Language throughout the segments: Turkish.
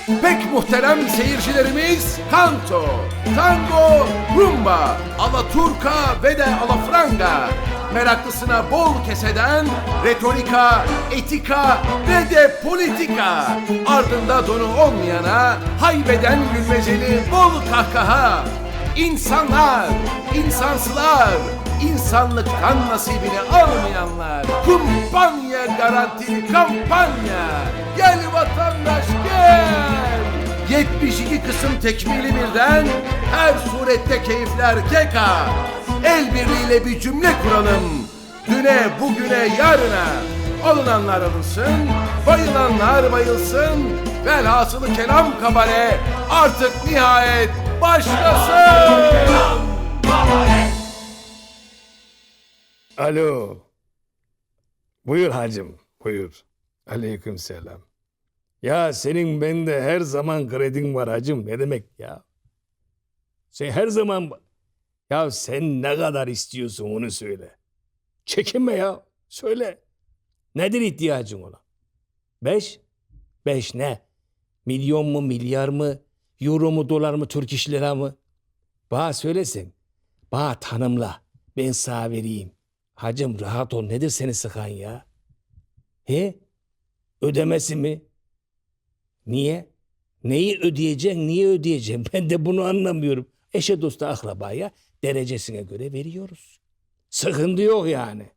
Pek muhterem seyircilerimiz, kanto, tango, rumba, alaturka ve de alafranga. Meraklısına bol keseden retorika, etika ve de politika. Ardında donu olmayana haybeden gülmeceli bol kahkaha. İnsanlar, insansılar, insanlıktan nasibini almayanlar. Kumpanya garantili kampanya. Gel vatandaş gel. 72 kısım tekmili birden, her surette keyifler keka. El birliğiyle bir cümle kuralım. Düne, bugüne, yarına. Alınanlar alınsın, bayılanlar bayılsın. Velhasılı kelam kabare artık nihayet başlasın. Alo. Buyur hacım, buyur. Aleykümselam. Ya senin bende her zaman kredin var hacım. Ne demek ya? Sen her zaman... Ya sen ne kadar istiyorsun onu söyle. Çekinme ya. Söyle. Nedir ihtiyacın olan? 5? 5 ne? Milyon mu, milyar mı? Euro mu, dolar mı, Türk iş lira mı? Bana söylesen. Bana tanımla. Ben sana vereyim. Hacım rahat ol. Nedir seni sıkan ya? He? Ödemesi mi? Niye? Neyi ödeyeceksin, niye ödeyeceksin? Ben de bunu anlamıyorum. Eşe dosta akrabaya derecesine göre veriyoruz. Sıkıntı yok yani.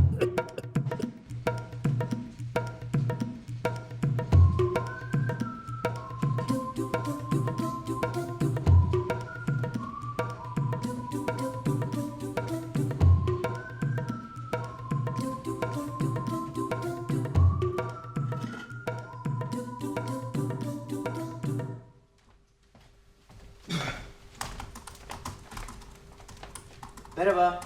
Merhaba.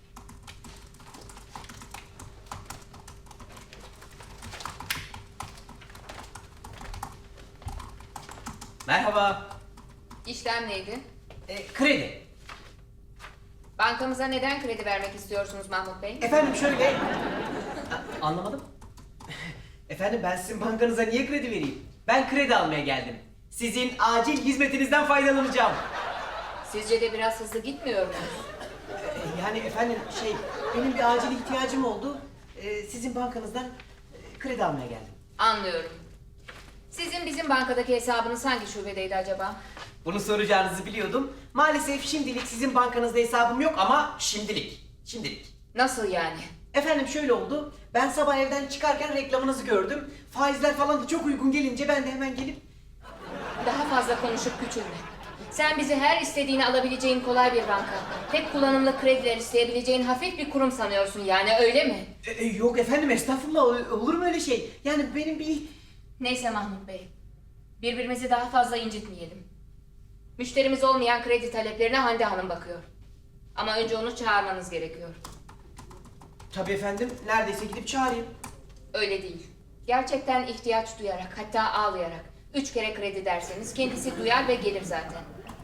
Merhaba. İşlem neydi? Kredi. Bankamıza neden kredi vermek istiyorsunuz Mahmut Bey? Efendim şöyle... Anlamadım. Efendim ben sizin bankanıza niye kredi vereyim? Ben kredi almaya geldim. Sizin acil hizmetinizden faydalanacağım. Sizce de biraz hızlı gitmiyor mu? Yani efendim benim bir acil ihtiyacım oldu. Sizin bankanızdan kredi almaya geldim. Anlıyorum. Sizin bizim bankadaki hesabınız hangi şubedeydi acaba? Bunu soracağınızı biliyordum. Maalesef şimdilik sizin bankanızda hesabım yok ama şimdilik. Şimdilik. Nasıl yani? Efendim şöyle oldu. Ben sabah evden çıkarken reklamınızı gördüm. Faizler falan da çok uygun gelince ben de hemen gelip... Daha fazla konuşup küçülme. Sen bizi her istediğini alabileceğin kolay bir banka, tek kullanımlı krediler isteyebileceğin hafif bir kurum sanıyorsun yani, öyle mi? Yok efendim estağfurullah, olur mu öyle şey? Yani benim bir... Neyse Mahmut Bey, birbirimizi daha fazla incitmeyelim. Müşterimiz olmayan kredi taleplerine Hande Hanım bakıyor. Ama önce onu çağırmanız gerekiyor. Tabii efendim, neredeyse gidip çağırayım. Öyle değil. Gerçekten ihtiyaç duyarak, hatta ağlayarak 3 kere kredi derseniz kendisi duyar ve gelir zaten.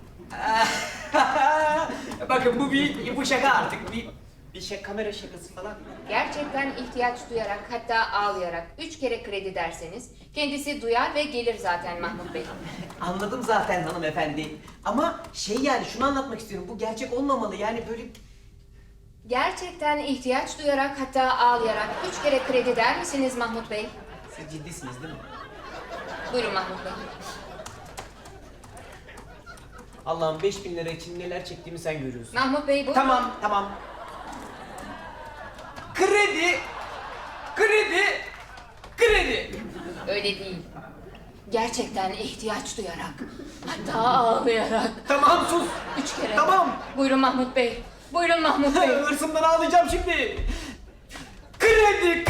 Bakın bu şaka artık, bir kamera şakası falan. Gerçekten ihtiyaç duyarak, hatta ağlayarak 3 kere kredi derseniz kendisi duyar ve gelir zaten Mahmut Bey. Anladım zaten hanımefendi. Ama yani şunu anlatmak istiyorum, bu gerçek olmamalı yani böyle... Gerçekten ihtiyaç duyarak, hatta ağlayarak 3 kere kredi der misiniz Mahmut Bey? Siz ciddisiniz değil mi? Buyurun Mahmut Bey. Allah'ım 5.000 lira için neler çektiğimi sen görüyorsun. Mahmut Bey bu. Tamam. Kredi. Öyle değil. Gerçekten ihtiyaç duyarak, hatta ağlayarak. Tamam sus. 3 kere. Tamam. Buyurun Mahmut Bey. Buyurun Mahmut Bey. Hırsımdan ağlayacağım şimdi. Kredi.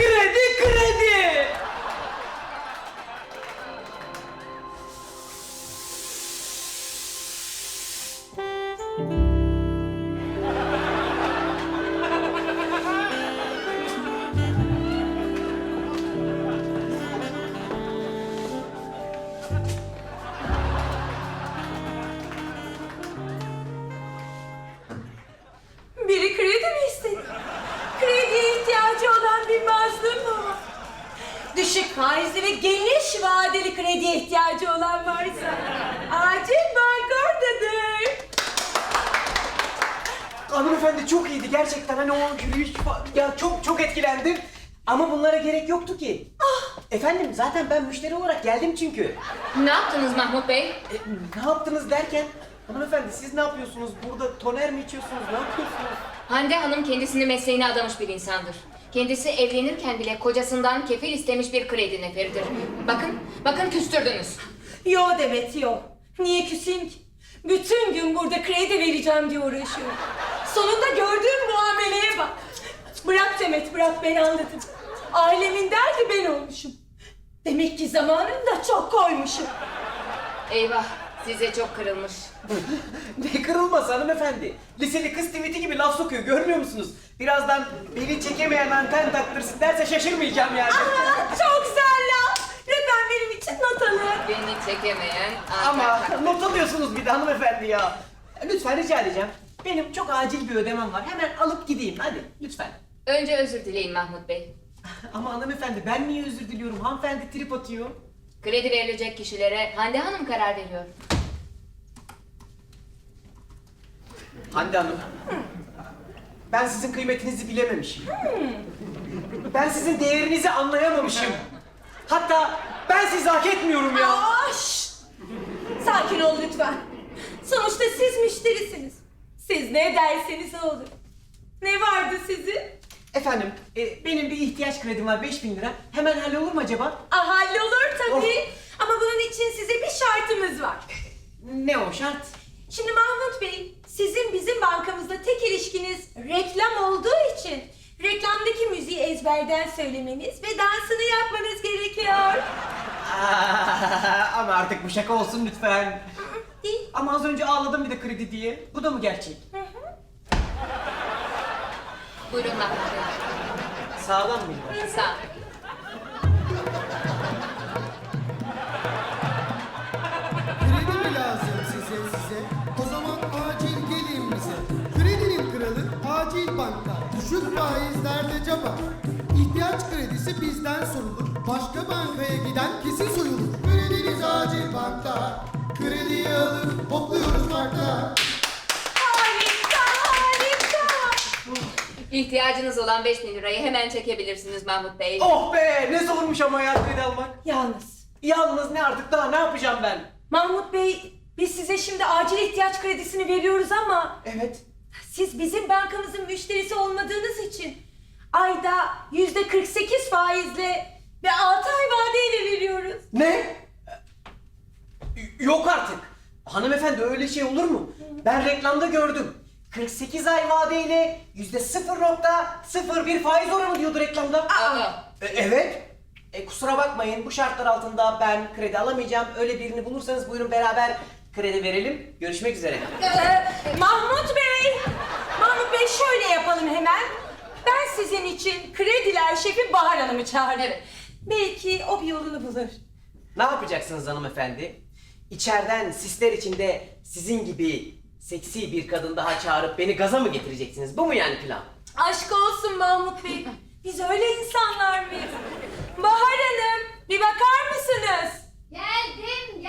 Biri kredi mi istedi? Krediye ihtiyacı olan bir mazlum mu var? Düşük faizli ve geniş vadeli krediye ihtiyacı olan varsa Hanımefendi çok iyiydi gerçekten. Hani o yürüyüş ya çok etkilendim. Ama bunlara gerek yoktu ki. Efendim zaten ben müşteri olarak geldim çünkü. Ne yaptınız Mahmut Bey? Ne yaptınız derken? Hanımefendi siz ne yapıyorsunuz? Burada toner mi içiyorsunuz? Ne yapıyorsunuz? Hande Hanım kendisini mesleğine adamış bir insandır. Kendisi evlenirken bile kocasından kefil istemiş bir kredi neferidir. Bakın küstürdünüz. Yo Demet yo. Niye küseyim ki? Bütün gün burada kredi vereceğim diye uğraşıyorum. Sonunda gördüğüm muameleye bak. Bırak Demet bırak, ben anladım. Ailemin derdi ben olmuşum. Demek ki zamanında çok koymuşum. Eyvah, size çok kırılmış. Ne kırılması hanımefendi? Liseli kız tweet'i gibi laf sokuyor görmüyor musunuz? Birazdan beni çekemeyen anten taktırsın derse şaşırmayacağım yani. Çok güzel laf. Lütfen benim için not alın. Beni çekemeyen... Ama not alıyorsunuz bir de hanımefendi ya. Lütfen rica edeceğim. Benim çok acil bir ödemem var. Hemen alıp gideyim hadi lütfen. Önce özür dileyin Mahmut Bey. Ama hanımefendi ben niye özür diliyorum? Hanımefendi trip atıyor. Kredi verilecek kişilere Hande Hanım karar veriyor. Hande Hanım. Ben sizin kıymetinizi bilememişim. Ben sizin değerinizi anlayamamışım. Hatta ben sizi hak etmiyorum ya. Şşş! Sakin ol lütfen. Sonuçta siz müşterisiniz. Siz ne derseniz o olur. Ne vardı sizin? Efendim, benim bir ihtiyaç kredim var 5.000 lira. Hemen hallolur mu acaba? Hallolur tabii. Ama bunun için size bir şartımız var. Ne o şart? Şimdi Mahmut Bey, sizin bizim bankamızla tek ilişkiniz reklam olduğu için reklamdaki müziği ezberden söylemeniz ve dansını yapmanız gerekiyor. Ama artık bu şaka olsun lütfen. Değil. Ama az önce ağladım bir de kredi diye. Bu da mı gerçek? Buyurun Mahmut Bey. Sağlam mıydı? Sağ. Kredi mi lazım size? O zaman acil gelin bize. Kredinin kralı Acil Bank'ta. Düşük faizlerde caba. İhtiyaç kredisi bizden sorulur. Başka bankaya giden kesin soyulur. Krediniz Acil Bank'ta. Krediyi alıp hopluyoruz parkta. Harika, harika. İhtiyacınız olan 5.000 lirayı hemen çekebilirsiniz Mahmut Bey. Oh be! Ne zormuş ama ya kredi almak. Yalnız Yalnız ne artık daha ne yapacağım ben? Mahmut Bey, biz size şimdi acil ihtiyaç kredisini veriyoruz ama Evet. siz bizim bankamızın müşterisi olmadığınız için ayda %48 faizle ve 6 ay vadeyle veriyoruz. Ne? Yok artık. Hanımefendi öyle şey olur mu? Ben reklamda gördüm. 48 ay vadeyle %0.01 faiz oranı diyordu reklamda. Evet. Kusura bakmayın bu şartlar altında ben kredi alamayacağım. Öyle birini bulursanız buyurun beraber kredi verelim. Görüşmek üzere. Mahmut Bey şöyle yapalım hemen. Ben sizin için krediler şefi Bahar Hanım'ı çağırırım. Evet. Belki o bir yolunu bulur. Ne yapacaksınız hanımefendi? İçeriden sisler içinde sizin gibi seksi bir kadın daha çağırıp beni gaza mı getireceksiniz? Bu mu yani plan? Aşk olsun Mahmut Bey. Biz öyle insanlar mıyız? Bahar Hanım, bir bakar mısınız? Geldim.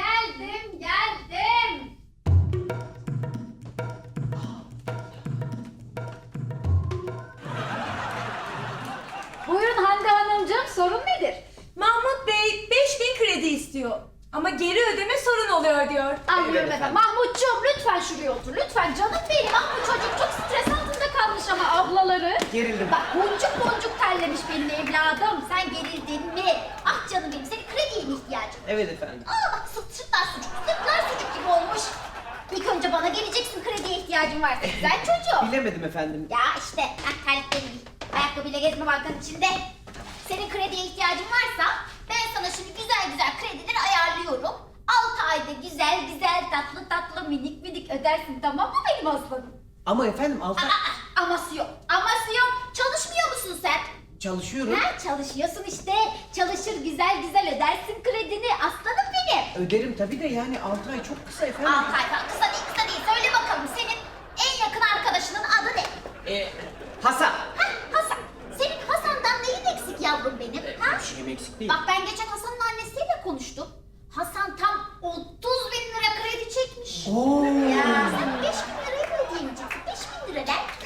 Buyurun Hande Hanımcığım, sorun nedir? Mahmut Bey 5.000 kredi istiyor. Ama geri ödeme sorun oluyor diyor. Anlıyorum Evet efendim. efendim. Mahmutcuğum lütfen şuraya otur. Lütfen canım benim. Ah bu çocuk çok stres altında kalmış ama ablaları. Gerildim. Bak boncuk terlemiş benim evladım. Sen gerildin mi? Ah canım benim, senin krediye mi ihtiyacın? Evet efendim. Aa bak sırtlar sucuk gibi olmuş. İlk önce bana geleceksin krediye ihtiyacın varsa güzel çocuğum. Bilemedim efendim. Ya işte terlikleri giy. Ayakkabıyla gezme bankanın içinde. Senin krediye ihtiyacın varsa ben sana şimdi güzel kredileri ayarlıyorum. 6 ayda güzel tatlı minik ödersin, tamam mı benim aslanım? Ama efendim altı Aması yok. Çalışmıyor musun sen? çalışıyorum. Ha, çalışıyorsun işte. Çalışır güzel ödersin kredini aslanım benim. Öderim tabii de yani 6 ay çok kısa efendim. 6 ay falan kısa değil. Söyle bakalım senin en yakın arkadaşının adı ne? Hasan. Hasan. Senin Hasan'dan neyin eksik yavrum benim? Ha? Bir şeyim eksik değil. Bak ben geçen Hasan'ın annesiyle konuştum. Hasan tam 30.000 lira kredi çekmiş. Oo. Ya sen 5.000 lirayı mı ödeyemeyeceksin? 5.000 lira der.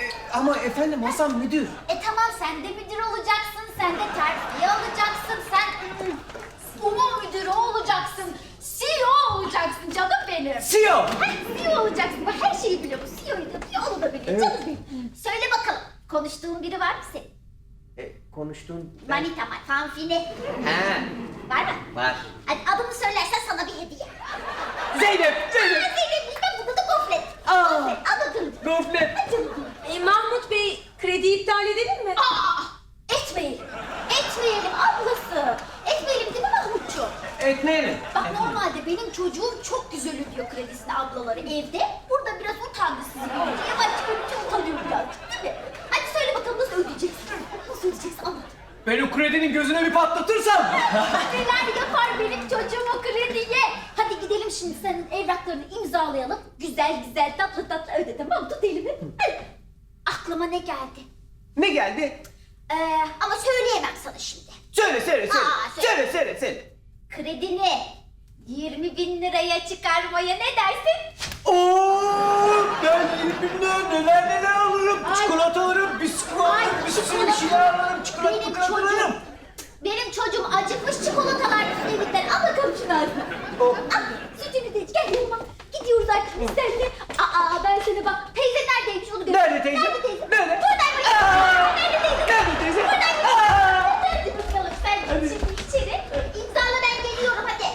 Ama efendim Hasan müdür. Tamam sen de müdür olacaksın, sen de terfiye alacaksın, sen umum müdürü olacaksın, CEO olacaksın canım benim. CEO. CEO olacaksın, bak her şeyi biliyor bu, CEO'yu da biliyor, onu da biliyor canım benim. Söyle bakalım, konuştuğun biri var mı senin? Konuştuğun... Manita var, fanfine. He. Var mı? Var. Hadi adını söylersen sana bir hediye. Zeynep. Zeynep işte burada da gofret. Aa. Gofret, al bakalım. Gofret. Hadi canım. Mahmut Bey, krediyi iptal edelim mi? Etmeyelim. Etmeyelim ablası. Etmeyelim değil mi Mahmutcuğum? Etmeyelim. Bak normalde benim çocuğum çok güzel ödüyor kredisini ablaları evde. Burada biraz utandı sizin önce. Yavaş çıkarınca utanıyor birazcık değil mi? Hadi söyle bakalım nasıl ödeyeceksin? Nasıl ödeyeceksin anlat. Ben o kredinin gözüne bir patlatırsam. Neler yapar benim çocuğum o krediye? Hadi gidelim şimdi senin evraklarını imzalayalım. Güzel güzel tatlı tatlı öde tamam mı? Tut elimi. Aklıma ne geldi? Ne geldi? Ama söyleyemem sana şimdi. Söyle. Aa, söyle. Söyle. Kredini 20.000 liraya çıkarmaya ne dersin? Oo, ben 20 lira neler alırım. Ay. Çikolata alırım, bisküvi alırım, bir sürü bir şeyler alırım. Çikolata alırım. Benim çocuğum acıkmış çikolatalar bizim evinden. Al bakalım şunu ağzına. Al, sütünü de iç. Gel yanıma. Gidiyoruz artık biz seninle. Ben sana bak. Teyze neredeymiş onu göster. Nerede teyze? Nerede teyze? Nerede? Buradaymış. Aa. Nerede teyze? Nerede teyze? Buradaymış. Aa. Hadi bakalım sen git şimdi içeri. İmzala ben geliyorum hadi.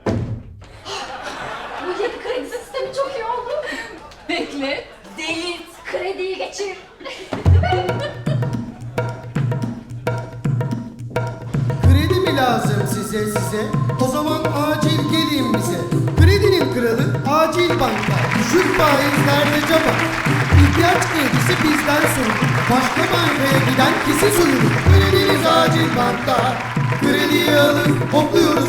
Bu yeni kredi sistemi çok iyi oldu. Bekle, delirt, krediyi geçir. Kredi mi lazım size? O zaman acil gelin bize. Kredinin kralı Acil Banka. Düşük faizlerde caba. İhtiyaç kredisi bizden sorulur. Başka bankaya giden kesin soyulur. Krediniz Acil Banka. Krediyi alın, hopluyoruz